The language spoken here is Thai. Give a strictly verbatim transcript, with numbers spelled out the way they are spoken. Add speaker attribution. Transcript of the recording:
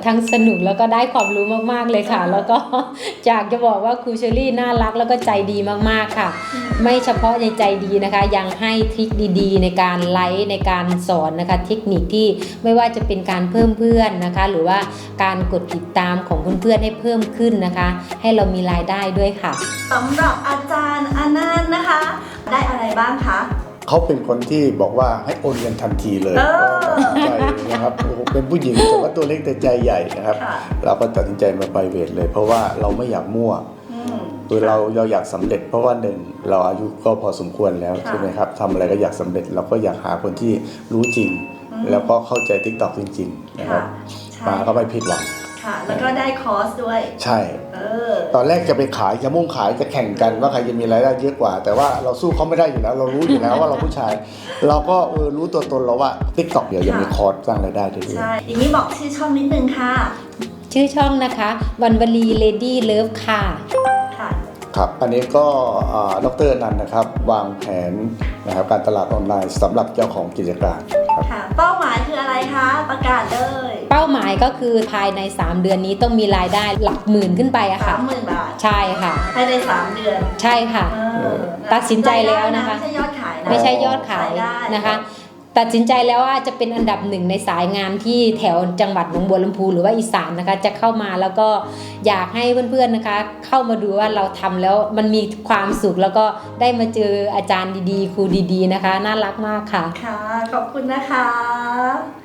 Speaker 1: ทั้งสนุกแล้วก็ได้ความรู้มากๆเลยค่ะแล้วก็อยากจะบอกว่าครูเชอรี่น่ารักแล้วก็ใจดีมากๆค่ะไม่เฉพาะในใจดีนะคะยังให้ทริคดีๆในการไลฟ์ในการสอนนะคะเทคนิคที่ไม่ว่าจะเป็นการเพิ่มเพื่อนนะคะหรือว่าการกดติดตามของเพื่อนๆให้เพิ่มขึ้นนะคะให้เรามีรายได้ด้วยค่ะ
Speaker 2: สำหรับอาจารย์อนันต์นะคะได้อะไรบ้างคะ
Speaker 3: เขาเป็นคนที่บอกว่าให้โอนเงินทันทีเลยใจนะครับเป็นผู้หญิงแต่ว่าตัวเล็กแต่ใจใหญ่นะครับเราก็ตัดสินใจมาไปเวทเลยเพราะว่าเราไม่อยากมั่วคือเราเราอยากสำเร็จเพราะว่าหนึ่งเราอายุก็พอสมควรแล้วใช่ไหมครับทำอะไรก็อยากสำเร็จเราก็อยากหาคนที่รู้จริงแล้วก็เข้าใจ ติ๊กต็อก จริงๆนะครับมาก็ไม่ผิดหวัง
Speaker 2: ค่ะแล้วก็ได้คอร์สด้วย
Speaker 3: ใช่ตอนแรกจะไปขายจะมุ่งขายจะแข่งกันว่าใครจะมีรายได้เยอะกว่าแต่ว่าเราสู้เขาไม่ได้อยู่แล้วเรารู้อยู่แล้วว่าเราผู้ชายเราก็เออรู้ตัวตนเราว่า ติ๊กต็อก เดี๋ยวยังมีคอร์สสร้างรายได้ด้วย
Speaker 2: ใช่อย่างนี้บอกชื่อช่องนิดนึงค่ะ
Speaker 1: ชื่อช่องนะคะวันวลีเลดี้เลิฟค่ะ
Speaker 3: ครับอันนี้ก็ดร.อนันต์นะครับวางแผนนะครับการตลาดออนไลน์สำหรับเจ้าของกิจการ
Speaker 2: ค่ะเป้าหมายคืออะไรคะประกาศเลย
Speaker 1: เป้าหมายก็คือภายในสามเดือนนี้ต้องมีรายได้หลักหมื่นขึ้นไปอะค่ะ
Speaker 2: สามหมื่นบาท
Speaker 1: ใช่ค่ะ
Speaker 2: ภายในสามเดือน
Speaker 1: ใช่ค่ะตัดสินใจแล้วนะคะ
Speaker 2: ไม่ใช่ยอดขายนะ
Speaker 1: ไม่ใช่ยอดขายนะคะตัดสินใจแล้วว่าจะเป็นอันดับหนึ่งในสายงานที่แถวจังหวัดหนองบัวลำพูหรือว่าอีสานนะคะจะเข้ามาแล้วก็อยากให้เพื่อนๆนะคะเข้ามาดูว่าเราทำแล้วมันมีความสุขแล้วก็ได้มาเจออาจารย์ดีๆครูดีๆนะคะน่ารักมากค่ะ
Speaker 2: ค่ะขอบคุณนะคะ